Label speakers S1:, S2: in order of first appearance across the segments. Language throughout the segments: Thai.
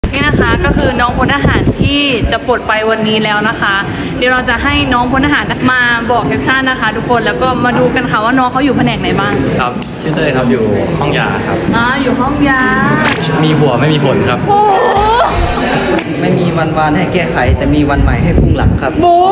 S1: นี่นะคะก็คือน้องพลทหารที่จะปลดไปวันนี้แล้วนะคะ เดี๋ยวเราจะให้น้องพลทหารมาบอกแคปชั่นนะคะ ทุกคนแล้วก็มาดูกันค่ะว่าน้องเขาอยู่แผนกไหนบ้าง
S2: ครับชื่อเต้ยครับอยู่ห้องยาครับ
S1: อยู่ห้องยา
S2: มีหัวไม่มีผลครับ
S1: โอ้
S3: ไม่มีวันวานให้แก้ไขแต่มีวันใหม่ให้พุ่งหลังครับ
S1: โอ้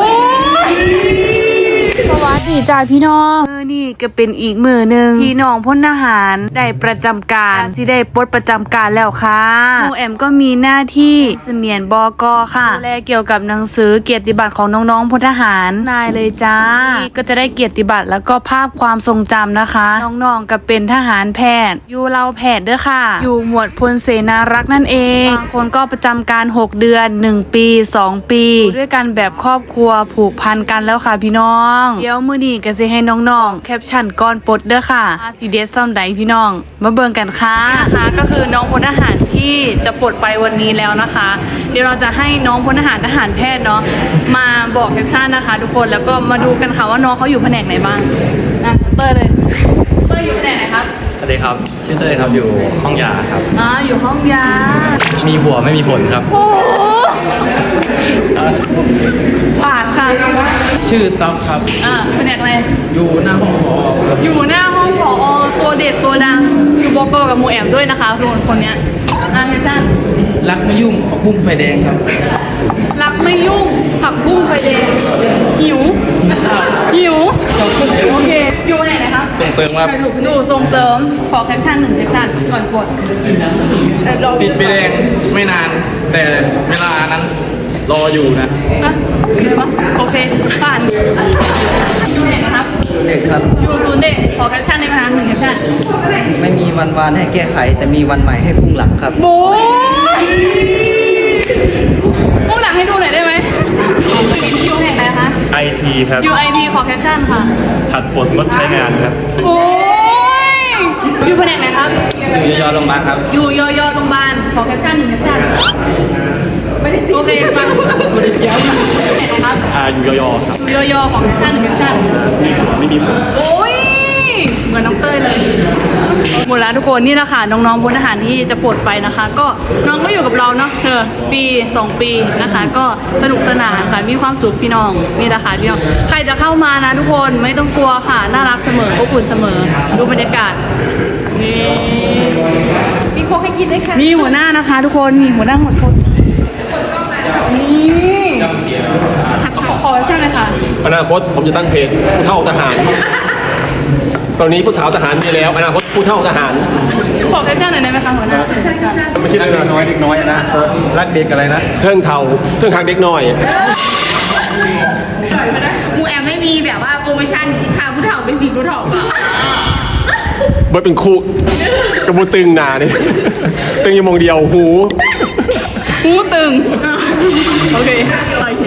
S1: สวัสดีจ้าพี่น้องนี่ก็เป็นอีกมือหนึ่งที่น้องพลทหารได้ประจำการที่ได้ปลดประจำการแล้วค่ะหนูแอมก็มีหน้าที่เสมียนบก.ค่ะดูแลเกี่ยวกับหนังสือเกียรติบัตรของน้องๆพลทหารนายเลยจ้าก็จะได้เกียรติบัตรแล้วก็ภาพความทรงจำนะคะน้องๆก็เป็นทหารแพทย์อยู่เราแพทย์ด้วยค่ะอยู่หมวดพลเสนารักษ์นั่นเองบางคนก็ประจำการ6 เดือน1 ปี2 ปีด้วยกันแบบครอบครัวผูกพันกันแล้วค่ะพี่น้องเดี๋ยวมื้อนี้ก็สิให้น้องๆแคปชั่นก่อนปลดเด้อค่ะซีเดสซ่อมใดพี่น้องมาเบิ่งกันค่ะนะคะก็คือน้องพลทหารที่จะปลดไปวันนี้แล้วนะคะเดี๋ยวเราจะให้น้องพลทหารแพทย์เนาะมาบอกแคปชั่นนะคะทุกคนแล้วก็มาดูกันค่ะว่าน้องเขาอยู่แผนกไหนบ้างเต้ยเลยเต้ยอยู่แผนกไหนครับ
S2: สวัสดีครับชื่อเต้ยครับอยู่ห้องยาครับ
S1: อยู่ห้องยา
S2: มีหัวไม่มีผลครับ
S1: โอ้ผ่านค่ะ
S3: ชื่อต๊อบครับ
S1: แผนกอะไร
S3: อยู่หน้าห้องผอ
S1: อยู่หน้าห้องผอตัวเด็ดตัวดังอยู่บก.กับหมูแอมด้วยนะคะทุกคนเนี่ยแคปชั่น
S3: รักไม่ยุ่งผักบุ้งไฟแดงครับ
S1: รักไม่ยุ่งผักบุ้งไฟแดงหิวโอเคอยู่ไหนนะครับ
S2: ส่งเสริมครับ
S1: ดูส่งเสริมขอแคปชั่น1 แคปชั่นก่อนกด
S2: ติดใบแดงไม่นานแต่เวลานั้นรออยู่นะ
S1: อะไรวะโอเคผ่านอยู่ไหนนะครับ
S3: เด็กครับ
S1: อยู่ศูนย์เด็กขอแคปชั่นได้ไหมคะ1 แคปชั่น
S3: ไม่มีวันวานให้แก้ไขแต่มีวันใหม่ให้พุ่งหลังครับ
S1: โบ้พุ่งหลังให้ดูหน่อยได้ไหมอยู่แห่งไหนคะ
S2: IT ครับ
S1: อยู่ IT ขอแคปชั่นค่ะ
S2: ผัดปลดงดใช้งานครับ
S1: โอ้ยอยู่แผนกไหนครับ
S2: อยู่ยอโรงพยาบาลครับ
S1: อยู่ยอโรงพยาบาลขอแคปชั่น1 แคปชั่นโอเคมา
S3: ไม่ได้เกี่ยว
S1: ไหนครับ
S2: อยู่ยอครับ
S1: อยู่ยอของแคปชั่น1 แคปชั่น
S2: ไม่มีผล
S1: โอ้ยเหมือนน้องเต้ยเลยหมดแล้วทุกคนนี่แหละค่ะน้องๆพลทหารที่จะปลดไปนะคะก็น้องก็อยู่กับเราเนาะปี2 ปีนะคะก็สนุกสนานค่ะมีความสุขพี่น้องนี่แหละค่ะพี่น้องใครจะเข้ามานะทุกคนไม่ต้องกลัวค่ะน่ารักเสมออบอุ่นเสมอดูบรรยากาศนี่
S4: มีโค้กให้กินด้วยค่ะ
S1: มีหัวหน้านะคะทุกคนมีหัวหน้าหมดคนนี่ขอใช่ไหมคะ
S5: อนาคตผมจะตั้งเพจผู้เฒ่าทหารตอนนี้ผู้สาวทหารมีแล้วอนาคตผู้เฒ่าทหาร
S1: ขอแคปชั่นหน่อยได้ไหมคะหัวหน้า
S5: ไม่คิดอะไรน้อยเด็กน้อยนะรักเด็กอะไรนะเทิงเฒ่าเทิงทางเด็กน้อย
S4: หมูแอมไม่มีแบบว่าโปรโมชั่นพาผู้เฒ่าไปสีผู้เฒ่าป่ะ
S5: เบิร์ดเป็นคู่กระบูตึงหนาเนี่ยตึงอยู่มองเดียวหู
S1: ตึงโอเค